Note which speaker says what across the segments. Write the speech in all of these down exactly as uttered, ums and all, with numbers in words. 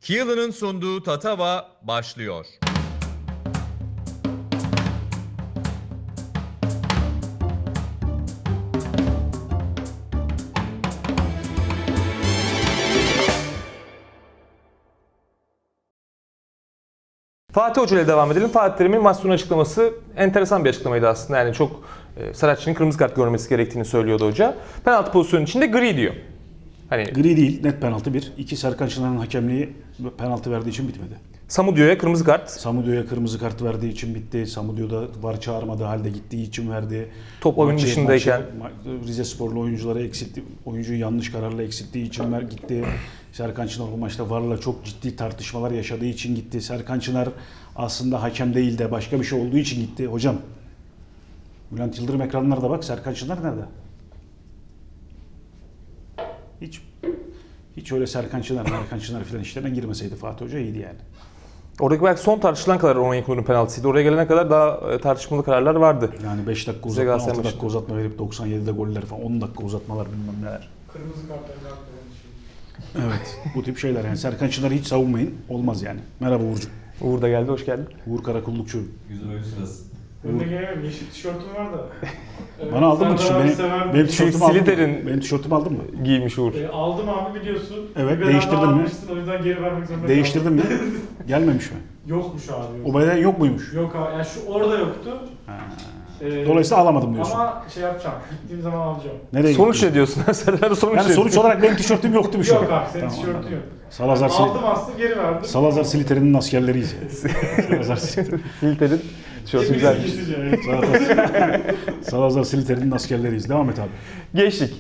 Speaker 1: Keelan'ın sunduğu Tatava başlıyor.
Speaker 2: Fatih Hoca ile devam edelim. Fatih Terim'in maç sonu açıklaması enteresan bir açıklamaydı aslında. Yani çok e, Saratçı'nın kırmızı kart görmesi gerektiğini söylüyordu hoca. Penaltı pozisyonu içinde gri diyor. Hani
Speaker 3: Gri değil, net penaltı bir. İki, Serkan Çınar'ın hakemliği penaltı verdiği için bitmedi.
Speaker 2: Samudio'ya kırmızı kart.
Speaker 3: Samudio'ya kırmızı kart verdiği için bitti. Samudio'da var çağırmadığı halde gittiği için verdi.
Speaker 2: Top oyun
Speaker 3: Maçı-
Speaker 2: dışındayken.
Speaker 3: maçı Rize Sporlu oyuncuları eksiltti. Oyuncuyu yanlış kararla eksilttiği için ver gitti. Serkan Çınar bu maçta VAR'la çok ciddi tartışmalar yaşadığı için gitti. Serkan Çınar aslında hakem değil de başka bir şey olduğu için gitti. Hocam, Bülent Yıldırım ekranlarda bak, Serkan Çınar nerede? Hiç hiç öyle Serkan Çınar, Serkan Çınar filan işlerine girmeseydi Fatih Hoca iyiydi yani.
Speaker 2: Oradaki belki son tartışılan kadar Onyekuru'nun penaltısıydı. Oraya gelene kadar daha e, tartışmalı kararlar vardı.
Speaker 3: Yani beş dakika
Speaker 2: Bize
Speaker 3: uzatma,
Speaker 2: Galatasaray
Speaker 3: altı dakika
Speaker 2: maçında.
Speaker 3: uzatma verip doksan yedide goller falan, on dakika uzatmalar bilmem neler.
Speaker 4: Kırmızı kartlarını atmayan şey.
Speaker 3: Evet, bu tip şeyler yani. Serkan Çınar'ı hiç savunmayın, olmaz yani. Merhaba Uğurcuğum.
Speaker 2: Uğur da geldi, hoş geldin.
Speaker 3: Uğur Karakullukçu.
Speaker 5: Güzel oyun sırası.
Speaker 4: Ben de gelemem. Yeşil tişörtüm var da. Evet,
Speaker 3: Bana aldın mı
Speaker 4: Serdar
Speaker 3: tişörtü?
Speaker 4: abi
Speaker 3: Benim,
Speaker 4: sever.
Speaker 3: benim tişörtümü aldın mı?
Speaker 2: Sliter'in-
Speaker 3: Benim tişörtümü aldın mı?
Speaker 2: Giymiş Uğur.
Speaker 4: E, aldım abi biliyorsun.
Speaker 3: Evet,
Speaker 4: Bir beden
Speaker 3: değiştirdin
Speaker 4: daha
Speaker 3: mi?
Speaker 4: almıştın, o yüzden geri vermek zorunda
Speaker 3: Değiştirdin mi? Gelmemiş mi?
Speaker 4: kaldım. Yokmuş abi. Yok,
Speaker 3: O beden yok muymuş?
Speaker 4: yok abi. Yani şu orada yoktu.
Speaker 3: Ha.
Speaker 4: E,
Speaker 3: Dolayısıyla alamadım diyorsun.
Speaker 4: Ama şey yapacağım. Gittiğim zaman alacağım.
Speaker 3: Nereye
Speaker 2: Sonuç
Speaker 3: gittin?
Speaker 2: ne diyorsun? Serdar sonuç
Speaker 3: Yani
Speaker 2: ne?
Speaker 3: sonuç olarak benim tişörtüm yoktu bir şey.
Speaker 4: Yok abi senin
Speaker 3: Tamam,
Speaker 4: tişörtün
Speaker 3: anladım.
Speaker 4: yok.
Speaker 3: Salazar, Sil-
Speaker 4: Aldım aslında geri verdim.
Speaker 3: Salazar Siliter'in askerleriyiz yani. Salazar Siliter.
Speaker 2: Sliter'in tişörtü
Speaker 4: Hepimiz
Speaker 2: güzelmiş.
Speaker 4: gizlice, evet.
Speaker 3: Salazar, Salazar Siliter'in askerleriyiz. Devam et abi.
Speaker 2: Geçtik.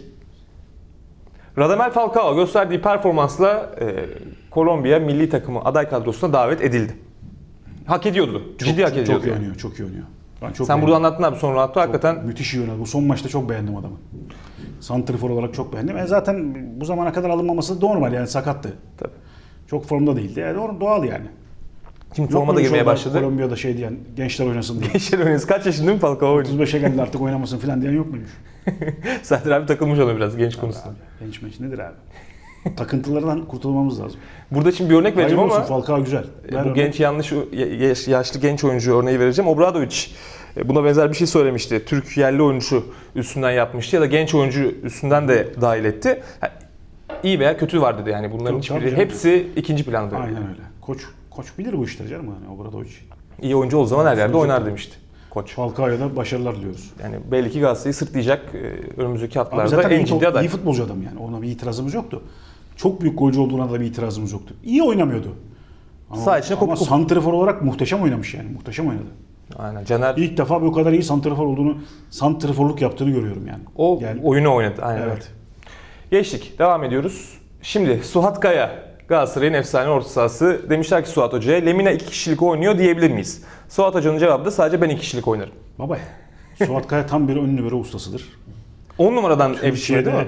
Speaker 2: Radamel Falcao gösterdiği performansla e, Kolombiya milli takımı aday kadrosuna davet edildi. Hak ediyordu. Ciddi hak ediyordu.
Speaker 3: Çok iyi
Speaker 2: yani.
Speaker 3: oynuyor, çok iyi oynuyor. Ben çok
Speaker 2: Sen
Speaker 3: beğendim.
Speaker 2: burada anlattın abi sonra Ronaldo hakikaten
Speaker 3: Müthiş iyi oynadı. Bu son maçta çok beğendim adamı. Santrifor olarak çok beğendim. E zaten bu zamana kadar alınmaması da normal yani, sakattı.
Speaker 2: Tabii.
Speaker 3: Çok formda değildi. Yani doğru- doğal yani.
Speaker 2: şimdi
Speaker 3: Yok
Speaker 2: forma da
Speaker 3: muymuş
Speaker 2: girmeye
Speaker 3: orada
Speaker 2: başladı.
Speaker 3: Kolombiya'da şey diyen, gençler oynasın diye.
Speaker 2: Gençler oynuyoruz. Kaç yaşında değil mi Falcao oynuyor?
Speaker 3: otuz beşe geldi artık oynamasın falan diyen yok muymuş?
Speaker 2: Serdar abi takılmış ona biraz genç konusunda.
Speaker 3: Abi, genç meç nedir abi? Takıntılardan kurtulmamız lazım.
Speaker 2: Burada şimdi bir örnek vereceğim
Speaker 3: Hayırlı
Speaker 2: ama
Speaker 3: olsun, Falcao güzel.
Speaker 2: e,
Speaker 3: Ver
Speaker 2: bu
Speaker 3: örnek.
Speaker 2: genç yanlış yaş- yaşlı genç oyuncu örneği vereceğim. Obradovic e, buna benzer bir şey söylemişti. Türk yerli oyuncu üstünden yapmıştı ya da genç oyuncu üstünden de dahil etti. Ha, İyi veya kötü var dedi yani bunların
Speaker 3: Çok tabii
Speaker 2: hiçbiri
Speaker 3: canım.
Speaker 2: hepsi ikinci planda.
Speaker 3: Aynen öyle. Koç koç bilir bu işleri canım yani Obradovic.
Speaker 2: İyi oyuncu olduğu zaman her yerde
Speaker 3: Sonuçta-
Speaker 2: oynar demişti koç.
Speaker 3: Falcao'ya da başarılar diliyoruz.
Speaker 2: Yani belli ki Galatasaray'ı sırtlayacak e, önümüzdeki
Speaker 3: Abi
Speaker 2: haftalarda
Speaker 3: zaten
Speaker 2: en
Speaker 3: iyi,
Speaker 2: ciddi
Speaker 3: top-
Speaker 2: aday.
Speaker 3: iyi futbolcu adam yani. Ona bir itirazımız yoktu. Çok büyük golcü olduğuna da bir itirazımız yoktu. İyi oynamıyordu. Ama,
Speaker 2: Sağ içine
Speaker 3: ama
Speaker 2: kopuk kopuk.
Speaker 3: santrafor olarak muhteşem oynamış yani. Muhteşem oynadı.
Speaker 2: Aynen. Caner
Speaker 3: İlk defa bu kadar iyi santrafor olduğunu, santraforluk yaptığını görüyorum yani.
Speaker 2: o
Speaker 3: Yani-
Speaker 2: oyunu oynadı. Aynen öyle.
Speaker 3: Evet.
Speaker 2: Geçtik. Devam ediyoruz. Şimdi Suat Kaya, Galatasaray'ın efsane orta sahası. Demişler ki Suat Hoca'ya, Lemina iki kişilik oynuyor diyebilir miyiz? Suat Hoca'nın cevabı da sadece ben iki kişilik oynarım.
Speaker 3: Baba, Suat Kaya tam bir ön libero ustasıdır.
Speaker 2: on numaradan evşiyor değil mi?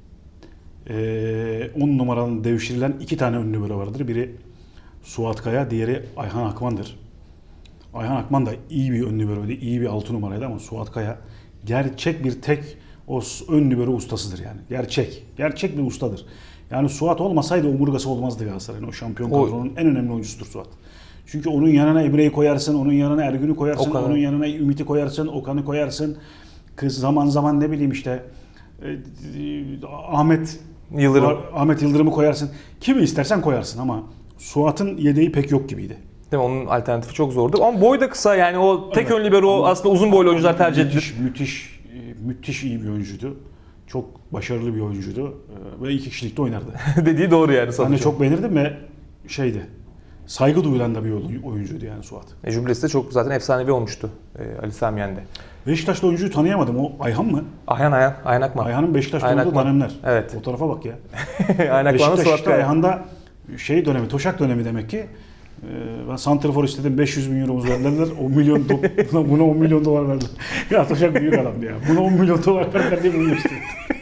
Speaker 3: Eee on numaradan devşirilen iki tane ön libero vardır. Biri Suat Kaya, diğeri Ayhan Akman'dır. Ayhan Akman da iyi bir ön liberoydu, iyi bir altı numaraydı ama Suat Kaya gerçek bir tek o ön libero ustasıdır yani. Gerçek. Gerçek bir ustadır. Yani Suat olmasaydı omurgası olmazdı Galatasaray'ın. O şampiyon
Speaker 2: O-
Speaker 3: kadronun en önemli oyuncusudur Suat. Çünkü onun yanına Emre'yi koyarsın, onun yanına Ergün'ü koyarsın,
Speaker 2: Okan'ı.
Speaker 3: onun yanına Ümit'i koyarsın, Okan'ı koyarsın. Kız zaman zaman ne bileyim işte e, e, Ahmet
Speaker 2: Yıldırım.
Speaker 3: var- Ahmet Yıldırım'ı koyarsın. Kimi istersen koyarsın ama Suat'ın yedeği pek yok gibiydi.
Speaker 2: Değil mi? Onun alternatifi çok zordu. Ama boy da kısa yani o tek
Speaker 3: Evet.
Speaker 2: ön libero
Speaker 3: Ama-
Speaker 2: aslında uzun boylu oyuncular tercih edilir.
Speaker 3: Müthiş, müthiş, e, müthiş iyi bir oyuncuydu. Çok başarılı bir oyuncuydu e, ve iki kişilikte oynardı.
Speaker 2: Dediği doğru yani
Speaker 3: Ben
Speaker 2: Suat
Speaker 3: de
Speaker 2: Hoca.
Speaker 3: çok beğenirdim ve şeydi, saygı duyulan da bir oy- oyuncuydu yani Suat.
Speaker 2: E, Jübilesi de çok zaten efsanevi olmuştu e, Ali Sami Yen'de.
Speaker 3: Beşiktaş'ta oyuncuyu tanıyamadım. O Ayhan mı?
Speaker 2: Ayhan Ayhan, Ayhan Akman.
Speaker 3: Ayhan'ın Beşiktaş'ta
Speaker 2: Ayhan
Speaker 3: oynadığı
Speaker 2: Akman.
Speaker 3: dönemler.
Speaker 2: Evet.
Speaker 3: O tarafa bak ya.
Speaker 2: Ayhan Akman'la
Speaker 3: Beşiktaş
Speaker 2: Suat
Speaker 3: işte
Speaker 2: Kaya.
Speaker 3: Ayhan'da şey dönemi, Toşak dönemi demek ki. Ee, Ben santrafor istedim, beş yüz bin euromuz verdiler. on milyon do- buna, buna on milyon dolar verdiler. Ya Toşak büyük adamdı ya. Buna on milyon dolar verdiler diye bunu istedim.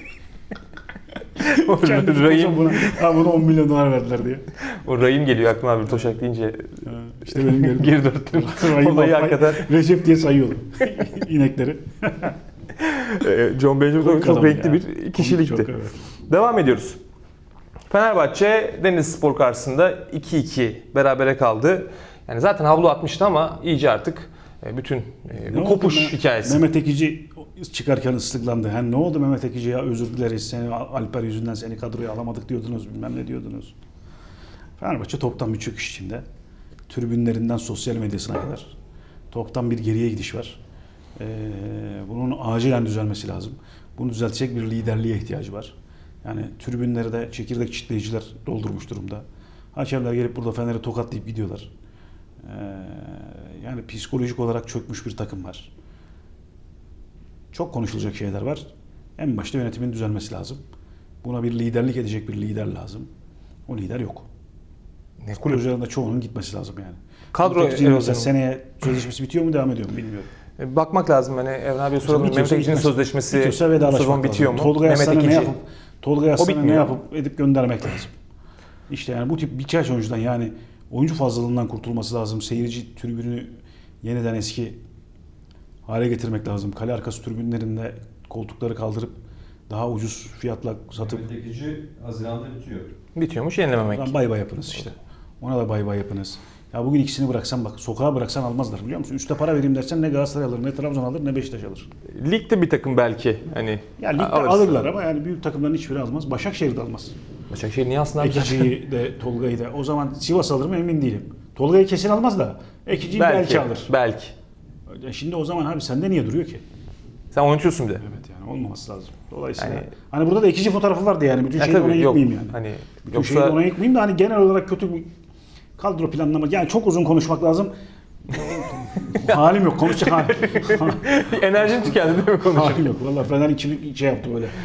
Speaker 3: Kendi
Speaker 2: Rahim,
Speaker 3: buna, ha, buna on milyon dolar verdiler diye.
Speaker 2: o Rahim geliyor aklıma abi Toşak deyince
Speaker 3: İşte benim yerim.
Speaker 2: geri dörttüm.
Speaker 3: Rahim
Speaker 2: Olayı
Speaker 3: Alpay,
Speaker 2: hakikaten
Speaker 3: Recep diye sayıyordu inekleri.
Speaker 2: e, John Benjamin
Speaker 3: Komik
Speaker 2: çok
Speaker 3: adam
Speaker 2: renkli
Speaker 3: ya.
Speaker 2: bir kişilikti.
Speaker 3: Çok, evet.
Speaker 2: Devam ediyoruz. Fenerbahçe Denizlispor karşısında iki iki berabere kaldı. Yani zaten havlu atmıştı ama iyice artık e, bütün e,
Speaker 3: Ne
Speaker 2: bu
Speaker 3: oldu
Speaker 2: kopuş
Speaker 3: Me-
Speaker 2: hikayesi.
Speaker 3: Mehmet Ekici çıkarken ıslıklandı. Yani ne oldu Mehmet Ekici ya, özür dileriz seni Alper yüzünden seni kadroya alamadık diyordunuz, bilmem ne diyordunuz. Fenerbahçe toptan bir çöküş içinde. Tribünlerinden sosyal medyasına kadar toptan bir geriye gidiş var. Ee, bunun acilen düzelmesi lazım. Bunu düzeltecek bir liderliğe ihtiyacı var. Yani tribünleri de çekirdek çitleyiciler doldurmuş durumda. Hakemler gelip burada Fener'i tokatlayıp gidiyorlar. Ee, yani psikolojik olarak çökmüş bir takım var. Çok konuşulacak şeyler var. En başta yönetimin düzelmesi lazım. Buna bir liderlik edecek bir lider lazım. O lider yok.
Speaker 2: Ne
Speaker 3: Kulüplerin de çoğunun gitmesi lazım yani.
Speaker 2: Kadro
Speaker 3: Mehmet Ekici'nin mesela
Speaker 2: erozyonu.
Speaker 3: seneye sözleşmesi bitiyor mu, devam ediyor mu bilmiyorum.
Speaker 2: E, Bakmak lazım hani Evren abiye soralım.
Speaker 3: Bitiyorsa
Speaker 2: Mehmet Ekici'nin
Speaker 3: gitmez.
Speaker 2: sözleşmesi
Speaker 3: Bitiyorsa
Speaker 2: bu
Speaker 3: vedalaşmak
Speaker 2: sezon
Speaker 3: lazım.
Speaker 2: bitiyor mu?
Speaker 3: Tolga
Speaker 2: Mehmet
Speaker 3: Yaslan'a ne
Speaker 2: Ekici.
Speaker 3: yapıp Tolga Yaslan'a ne
Speaker 2: bitmiyor.
Speaker 3: yapıp edip göndermek lazım. İşte yani bu tip birkaç oyuncudan, yani oyuncu fazlalığından kurtulması lazım. Seyirci tribünü yeniden eski hale getirmek lazım. Kale arkası tribünlerinde koltukları kaldırıp daha ucuz fiyatla satıp
Speaker 5: Mehmet Ekici Haziran'da bitiyor.
Speaker 2: Bitiyormuş, yenilememek.
Speaker 3: Lan bay bay yapınız işte. Ona da bay bay yapınız. Ya bugün ikisini bıraksan, bak sokağa bıraksan almazlar, biliyor musun? Üste para vereyim dersen ne Galatasaray alır, ne Trabzon alır, ne Beşiktaş alır.
Speaker 2: Ligde bir takım belki hani
Speaker 3: Ya ligde
Speaker 2: alırız.
Speaker 3: alırlar ama yani büyük takımların hiçbiri almaz. Başakşehir de almaz.
Speaker 2: Başakşehir niye aslında abi?
Speaker 3: Ekici'yi de Tolga'yı da. O zaman Sivas alır mı emin değilim. Tolga'yı kesin almaz da Ekici'yi belki,
Speaker 2: belki,
Speaker 3: alır.
Speaker 2: belki.
Speaker 3: Ya şimdi o zaman abi sende niye duruyor ki?
Speaker 2: Sen oynatıyorsun bir de.
Speaker 3: Evet yani olmaması lazım. Dolayısıyla
Speaker 2: Yani-
Speaker 3: hani burada da Ekici fotoğrafı vardı yani. Bütün
Speaker 2: Ya
Speaker 3: şeyi
Speaker 2: tabii,
Speaker 3: ona
Speaker 2: yok.
Speaker 3: yıkmayayım yani.
Speaker 2: Hani
Speaker 3: Bütün
Speaker 2: yoksa-
Speaker 3: şeyi ona yıkmayayım da hani genel olarak kötü bir kadro planlama. Yani çok uzun konuşmak lazım. halim yok. Konuşacak halim.
Speaker 2: Enerjin tükendi değil mi konuşup?
Speaker 3: halim yok. Valla Fener içim şey yaptı böyle.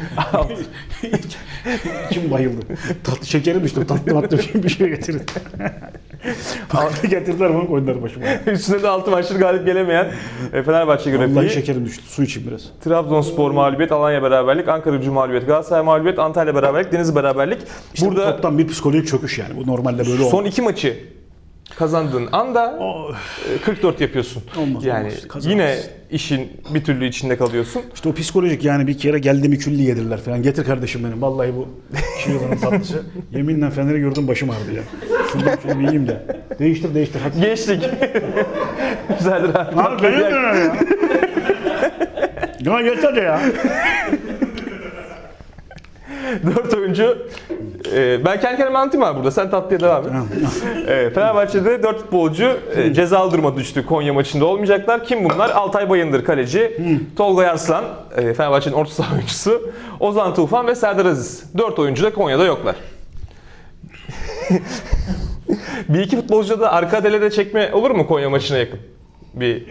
Speaker 3: İçim bayıldı. Tatlı şekerim düştü. Tatlı tatlı bir şey getirin. Tatlı getirdiler, bunu koydular başıma.
Speaker 2: Üstüne de altı maçları galip gelemeyen e, Fenerbahçe
Speaker 3: Vallahi
Speaker 2: grafiği.
Speaker 3: şekerim düştü. Su içeyim biraz.
Speaker 2: Trabzonspor mağlubiyet, Alanya beraberlik, Ankaragücü mağlubiyet, Galatasaray mağlubiyet, Antalya beraberlik, Denizli beraberlik.
Speaker 3: İşte
Speaker 2: Burada
Speaker 3: bu toptan bir psikolojik çöküş yani. Bu normalde böyle
Speaker 2: son
Speaker 3: olmaz.
Speaker 2: iki maçı kazandığın anda
Speaker 3: O-
Speaker 2: e, kırk dört yapıyorsun.
Speaker 3: Olmaz,
Speaker 2: yani
Speaker 3: olmaz. Kazanamazsın.
Speaker 2: yine işin bir türlü içinde kalıyorsun.
Speaker 3: İşte o psikolojik yani, bir kere geldi mi külli yedirler falan. Getir kardeşim benim. Vallahi bu şiirlerin tatlısı. Yeminle Fener'i gördüm, başım ağrıdı ya. Şunu, şunu bir yiyeyim de. Değiştir değiştir. Hadi.
Speaker 2: Geçtik. Güzeldir abi.
Speaker 3: Abi benim de ya. Ya yeter de ya.
Speaker 2: Dört oyuncu. E, ben kendi kendime anlatayım abi burada. Sen tatlıya devam et. E, Fenerbahçe'de dört futbolcu e, cezalı duruma düştü. Konya maçında olmayacaklar. Kim bunlar? Altay Bayındır kaleci, Tolga Yarslan, e, Fenerbahçe'nin orta saha oyuncusu, Ozan Tufan ve Serdar Aziz. Dört oyuncu da Konya'da yoklar. Bir iki futbolcu da arka delede çekme olur mu Konya maçına yakın? Bir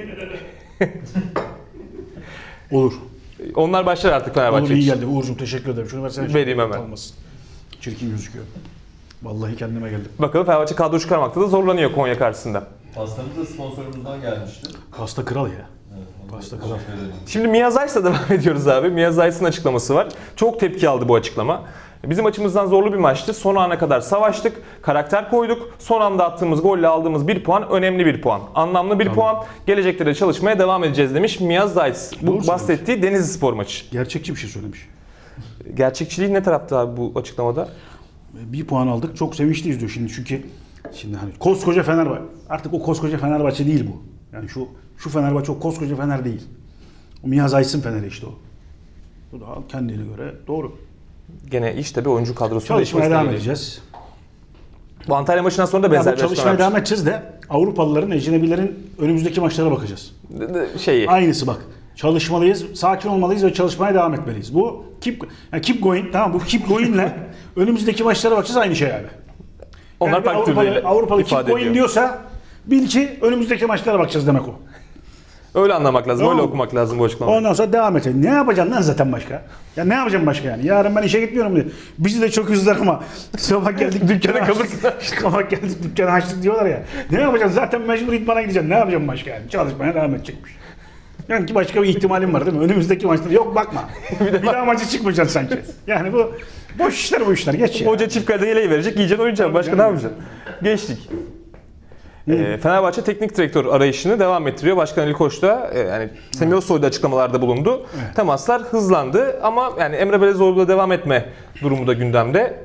Speaker 3: Olur.
Speaker 2: onlar başlar artık
Speaker 3: Olur,
Speaker 2: Fenerbahçe
Speaker 3: iyi
Speaker 2: için.
Speaker 3: geldi. Uğur'cum teşekkür ederim. Şunu versene.
Speaker 2: Vereyim hemen.
Speaker 3: Olmasın. Çirkin gözüküyor. Vallahi kendime geldim.
Speaker 2: Bakalım Fenerbahçe kadro çıkarmakta da zorlanıyor Konya karşısında.
Speaker 5: Pastamız da sponsorumuzdan gelmişti.
Speaker 3: Pasta kral ya.
Speaker 5: Evet, ona
Speaker 3: Pasta
Speaker 5: teşekkür
Speaker 3: kral.
Speaker 5: ederim.
Speaker 2: Şimdi Mia Zayt'la devam ediyoruz abi. Mia Zayt'ın açıklaması var. Çok tepki aldı bu açıklama. Bizim açımızdan zorlu bir maçtı. Son ana kadar savaştık, karakter koyduk. Son anda attığımız golle aldığımız bir puan önemli bir puan. Anlamlı bir puan. Gelecekte de çalışmaya devam edeceğiz demiş Mia Zayt. Bu
Speaker 3: Doğru
Speaker 2: bahsettiği Denizlispor maçı.
Speaker 3: Gerçekçi bir şey söylemiş.
Speaker 2: Gerçekçiliği ne tarafta abi bu açıklamada?
Speaker 3: Bir puan aldık. Çok sevinçliyiz diyor şimdi, çünkü şimdi hani koskoca Fenerbahçe. Artık o koskoca Fenerbahçe değil bu. Yani şu şu Fenerbahçe o koskoca Fener değil. O Mihaz Aysın Fener'i işte o. Bu da kendine göre doğru.
Speaker 2: Gene iş tabii oyuncu kadrosu
Speaker 3: Çalışmaya devam
Speaker 2: geliyor.
Speaker 3: edeceğiz.
Speaker 2: Bu Antalya maçından sonra da
Speaker 3: Ya
Speaker 2: benzer
Speaker 3: bu
Speaker 2: bir
Speaker 3: çalışmaya
Speaker 2: açıklama
Speaker 3: devam edeceğiz de Avrupalıların, ecnebilerin önümüzdeki maçlara bakacağız.
Speaker 2: yapmış. Şeyi.
Speaker 3: Aynısı bak. Çalışmalıyız, sakin olmalıyız ve çalışmaya devam etmeliyiz. Bu keep, yani keep going, tamam, bu keep going'le önümüzdeki maçlara bakacağız, aynı şey abi.
Speaker 2: Onlar
Speaker 3: Yani bir
Speaker 2: farklı
Speaker 3: Avrupalı,
Speaker 2: türlüyle
Speaker 3: Avrupalı keep
Speaker 2: ifade
Speaker 3: going
Speaker 2: ediyor.
Speaker 3: diyorsa bil ki önümüzdeki maçlara bakacağız demek o.
Speaker 2: Öyle anlamak lazım,
Speaker 3: Tamam.
Speaker 2: öyle okumak lazım bu açıklamayı.
Speaker 3: Ondan sonra devam edeceğiz. Ne yapacaksın lan zaten başka? Ya ne yapacağım başka yani? Yarın ben işe gitmiyorum diye. Bizi de çok üzdüler ama sabah geldik dükkana açtık. Sabah geldik dükkana açtık diyorlar ya. Ne yapacaksın? Zaten mecbur idmana gideceksin. Ne yapacağım başka yani? Çalışmaya devam edecekmiş. Yani ki başka bir ihtimalim var değil mi? Önümüzdeki maçta yok bakma. bir daha maça çıkmayacaksın sanki. Yani bu boş işler bu işler. Geç ya.
Speaker 2: Hoca çift kalede yeleği verecek, yiyeceksin, oynayacaksın. Başka ne yapacaksın? Geçtik. Ee, Fenerbahçe teknik direktör arayışını devam ettiriyor. Başkan Ali Koç da e, yani Semih Özsoy da açıklamalarda bulundu.
Speaker 3: Evet.
Speaker 2: Temaslar hızlandı ama yani Emre Belezoğlu'yla devam etme durumu da gündemde.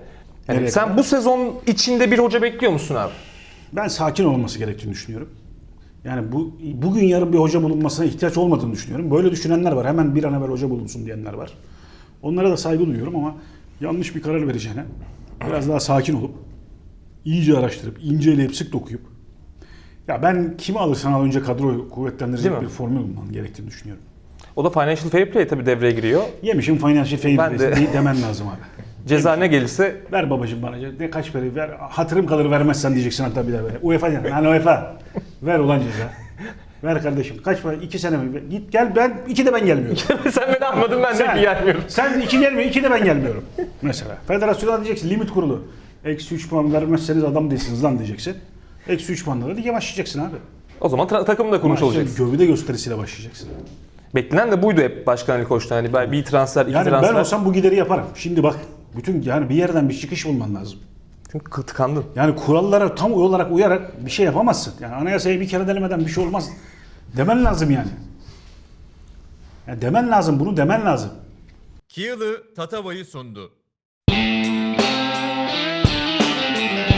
Speaker 2: Yani
Speaker 3: Nereye
Speaker 2: sen
Speaker 3: kadar?
Speaker 2: bu sezon içinde bir hoca bekliyor musun abi?
Speaker 3: Ben sakin olması gerektiğini düşünüyorum. Yani bu bugün yarın bir hoca bulunmasına ihtiyaç olmadığını düşünüyorum. Böyle düşünenler var. Hemen bir an evvel hoca bulunsun diyenler var. Onlara da saygı duyuyorum ama yanlış bir karar vereceğine biraz daha sakin olup iyice araştırıp, inceleyip, sık dokuyup ya ben kimi alırsan al önce kadroyu kuvvetlendirecek
Speaker 2: Değil mi?
Speaker 3: bir formül bulman gerektiğini düşünüyorum.
Speaker 2: O da financial fair play tabii devreye giriyor.
Speaker 3: Yemişim financial fair
Speaker 2: Ben de-
Speaker 3: play demen lazım abi.
Speaker 2: Ceza ne gelirse
Speaker 3: Ver babacığım bana ne kaç para ver hatırım kalır vermezsen diyeceksin hatta bir daha böyle. UEFA yani hani UEFA ver ulan ceza. Ver kardeşim kaç para iki sene mi? Git gel ben iki de ben gelmiyorum.
Speaker 2: sen beni anladın ben de
Speaker 3: Sen-
Speaker 2: ki gelmiyorum.
Speaker 3: Sen iki gelmiyor iki de ben gelmiyorum. Mesela federasyona diyeceksin limit kurulu. Eksi üç puan vermezseniz adam değilsiniz lan diyeceksin. Eksi üç puanla da lige başlayacaksın abi.
Speaker 2: O zaman tra- takım da kurmuş
Speaker 3: Ama işte
Speaker 2: olacaksın.
Speaker 3: Gövde gösterisiyle başlayacaksın.
Speaker 2: Beklenen de buydu hep Başkan Ali Koç'tan. Hani ben bir transfer, iki
Speaker 3: Yani
Speaker 2: transfer.
Speaker 3: ben olsam bu gideri yaparım. Şimdi bak bütün yani bir yerden bir çıkış bulman lazım.
Speaker 2: Çünkü kı- tıkandın.
Speaker 3: Yani kurallara tam olarak uyarak bir şey yapamazsın. Yani anayasayı bir kere denemeden bir şey olmaz. Demen lazım yani. Yani demen lazım, bunu demen lazım.
Speaker 1: Kiyalı Tatava'yı sundu.